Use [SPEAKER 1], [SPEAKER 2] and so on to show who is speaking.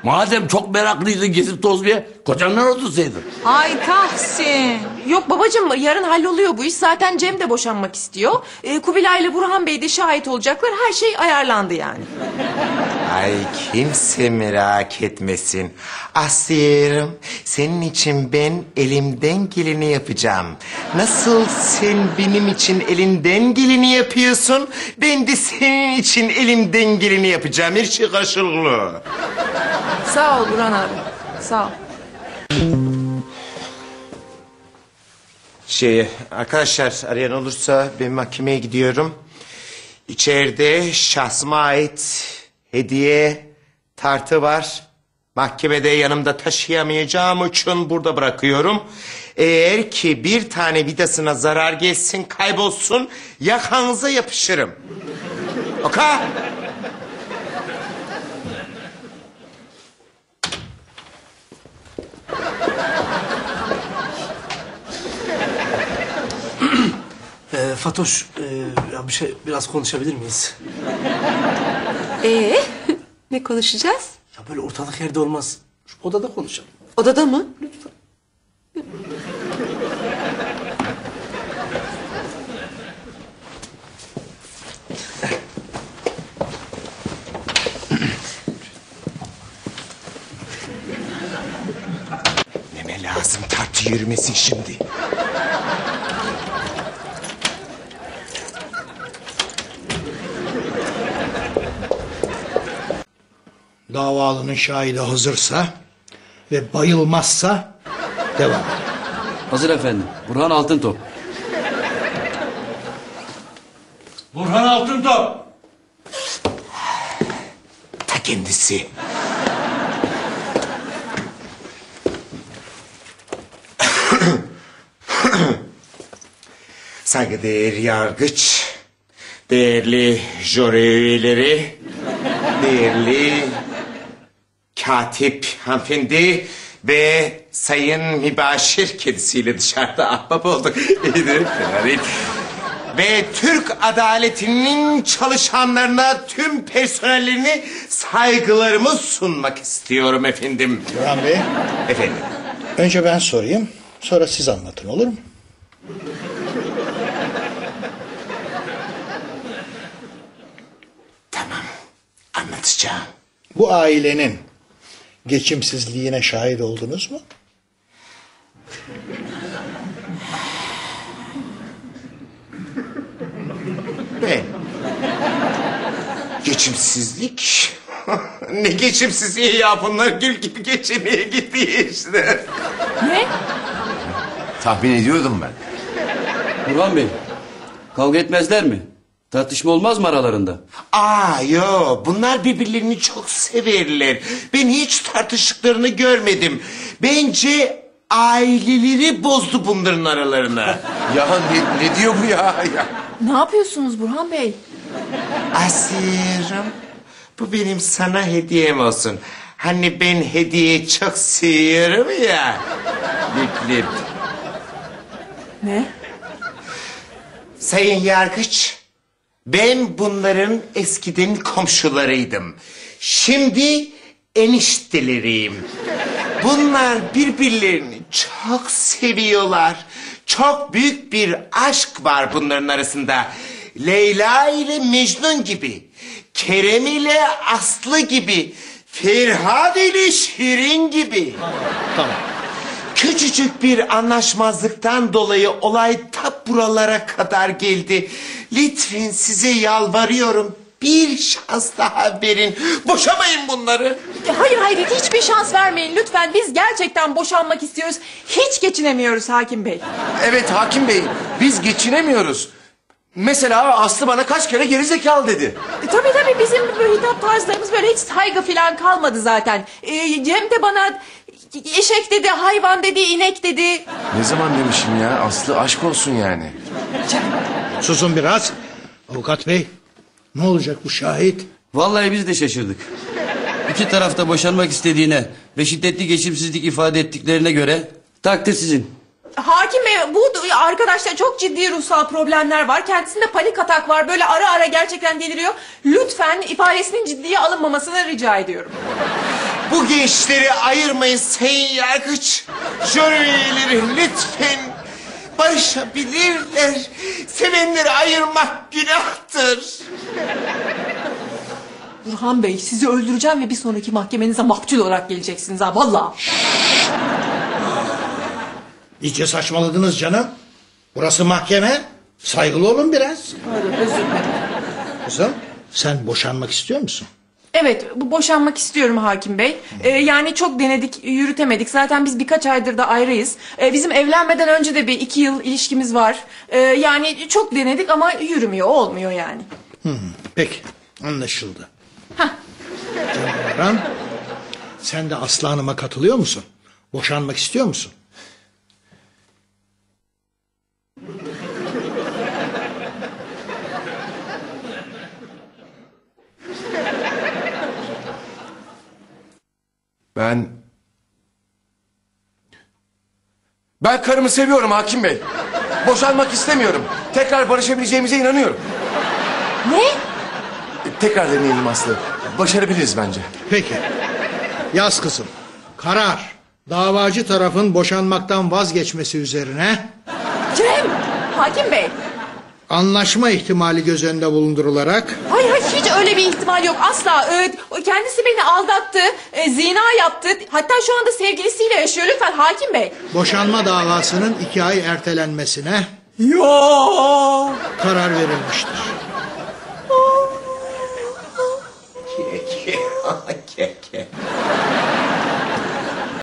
[SPEAKER 1] Madem çok meraklıydın gezip tozmaya, kocandan otursaydın.
[SPEAKER 2] Ay Tahsin. Yok babacığım, yarın halloluyor bu iş. Zaten Cem de boşanmak istiyor. Kubilay ile Burhan Bey de şahit olacaklar. Her şey ayarlandı yani.
[SPEAKER 3] Ay kimse merak etmesin. Aslı'yım, senin için ben elimden geleni yapacağım. Nasıl sen benim için elinden geleni yapıyorsun, ben de senin için elimden geleni yapacağım. Her şey karşılıklı.
[SPEAKER 2] Sağ ol Burhan abi. Sağ ol.
[SPEAKER 3] Arkadaşlar arayan olursa ben mahkemeye gidiyorum. İçeride şahsıma ait hediye tartı var. Mahkemede yanımda taşıyamayacağım için burada bırakıyorum. Eğer ki bir tane vidasına zarar gelsin, kaybolsun, yakanıza yapışırım. Okey?
[SPEAKER 4] Fatoş, ya biraz konuşabilir miyiz?
[SPEAKER 5] Ne konuşacağız?
[SPEAKER 4] Ya böyle ortalık yerde olmaz. Şu odada konuşalım.
[SPEAKER 5] Odada mı?
[SPEAKER 3] Neme lazım tartı yürümesin şimdi.
[SPEAKER 6] Davalının şahidi hazırsa ve bayılmazsa devam.
[SPEAKER 7] Hazır efendim. Burhan Altıntop.
[SPEAKER 1] Burhan Altıntop.
[SPEAKER 3] Ta kendisi. Saygıdeğer yargıç, değerli jüri üyeleri, değerli katip hanımefendi ve sayın mübaşir kedisiyle dışarıda ahbap olduk. İyidir, fena değil. Ve Türk adaletinin çalışanlarına, tüm personellerini saygılarımı sunmak istiyorum efendim.
[SPEAKER 6] Burhan Bey,
[SPEAKER 3] Efendim.
[SPEAKER 6] önce ben sorayım, sonra siz anlatın, olur mu?
[SPEAKER 3] Tamam, anlatacağım.
[SPEAKER 6] Bu ailenin geçimsizliğine şahit oldunuz mu?
[SPEAKER 3] Ben. Geçimsizlik? Ne geçimsizliği ya, bunlar gül gibi geçinmeye gidiyor işte.
[SPEAKER 2] Ne?
[SPEAKER 8] Tahmin ediyordum ben.
[SPEAKER 7] Burhan Bey, kavga etmezler mi? Tartışma olmaz mı aralarında?
[SPEAKER 3] Yo, bunlar birbirlerini çok severler. Ben hiç tartıştıklarını görmedim. Bence aileleri bozdu bunların aralarına.
[SPEAKER 8] Ya ne diyor bu ya?
[SPEAKER 2] Ne yapıyorsunuz Burhan Bey?
[SPEAKER 3] Asiye'm, bu benim sana hediyem olsun. Hani ben hediye çok seviyorum ya. Lip lip.
[SPEAKER 2] Ne?
[SPEAKER 3] Sayın Yargıç, ben bunların eskiden komşularıydım. Şimdi enişteleriyim. Bunlar birbirlerini çok seviyorlar. Çok büyük bir aşk var bunların arasında. Leyla ile Mecnun gibi, Kerem ile Aslı gibi, Ferhat ile Şirin gibi.
[SPEAKER 6] Tamam.
[SPEAKER 3] Küçücük bir anlaşmazlıktan dolayı olay ta buralara kadar geldi. Lütfen size yalvarıyorum, bir şans daha verin. Boşamayın bunları.
[SPEAKER 2] Hayır hiçbir şans vermeyin lütfen. Biz gerçekten boşanmak istiyoruz. Hiç geçinemiyoruz hakim bey.
[SPEAKER 8] Evet hakim bey, biz geçinemiyoruz. Mesela Aslı bana kaç kere gerizekalı dedi.
[SPEAKER 2] Tabii bizim böyle hitap tarzlarımız böyle hiç saygı falan kalmadı zaten. Cem de bana eşek dedi, hayvan dedi, inek dedi.
[SPEAKER 8] Ne zaman demişim ya? Aslı aşk olsun yani.
[SPEAKER 6] Susun biraz. Avukat bey, ne olacak bu şahit?
[SPEAKER 7] Vallahi biz de şaşırdık. İki tarafta boşanmak istediğine ve şiddetli geçimsizlik ifade ettiklerine göre takdir sizin.
[SPEAKER 2] Hakim bey, bu arkadaşta çok ciddi ruhsal problemler var. Kendisinde panik atak var. Böyle ara ara gerçekten deliriyor. Lütfen ifadesinin ciddiye alınmamasını rica ediyorum.
[SPEAKER 3] Bu gençleri ayırmayın sayın yargıç. Jüri üyeleri lütfen barışabilirler. Sevenleri ayırmak günahtır.
[SPEAKER 2] Burhan Bey sizi öldüreceğim ve bir sonraki mahkemenize maktul olarak geleceksiniz ha vallahi.
[SPEAKER 6] İyice saçmaladınız canım. Burası mahkeme. Saygılı olun biraz.
[SPEAKER 2] Özür dilerim.
[SPEAKER 6] Kızım sen boşanmak istiyor musun?
[SPEAKER 2] Evet, bu boşanmak istiyorum hakim bey. Yani çok denedik, yürütemedik. Zaten biz birkaç aydır da ayrıyız. Bizim evlenmeden önce de bir 2 yıl ilişkimiz var. Yani çok denedik ama yürümüyor, olmuyor yani.
[SPEAKER 6] Peki anlaşıldı.
[SPEAKER 2] Hah.
[SPEAKER 6] Canım Orhan, sen de Aslı Hanım'a katılıyor musun? Boşanmak istiyor musun?
[SPEAKER 8] Ben karımı seviyorum hakim bey. Boşanmak istemiyorum. Tekrar barışabileceğimize inanıyorum.
[SPEAKER 2] Ne?
[SPEAKER 8] Tekrar deneyelim Aslı. Başarabiliriz bence.
[SPEAKER 6] Peki. Yaz kızım. Karar. Davacı tarafın boşanmaktan vazgeçmesi üzerine
[SPEAKER 2] Cem! Hakim bey!
[SPEAKER 6] anlaşma ihtimali göz önünde bulundurularak
[SPEAKER 2] Hayır hayır hiç öyle bir ihtimal yok asla. Kendisi beni aldattı, zina yaptı. Hatta şu anda sevgilisiyle yaşıyor. Lütfen hakim bey.
[SPEAKER 6] boşanma davasının 2 ay ertelenmesine
[SPEAKER 2] Ya!
[SPEAKER 6] karar verilmiştir.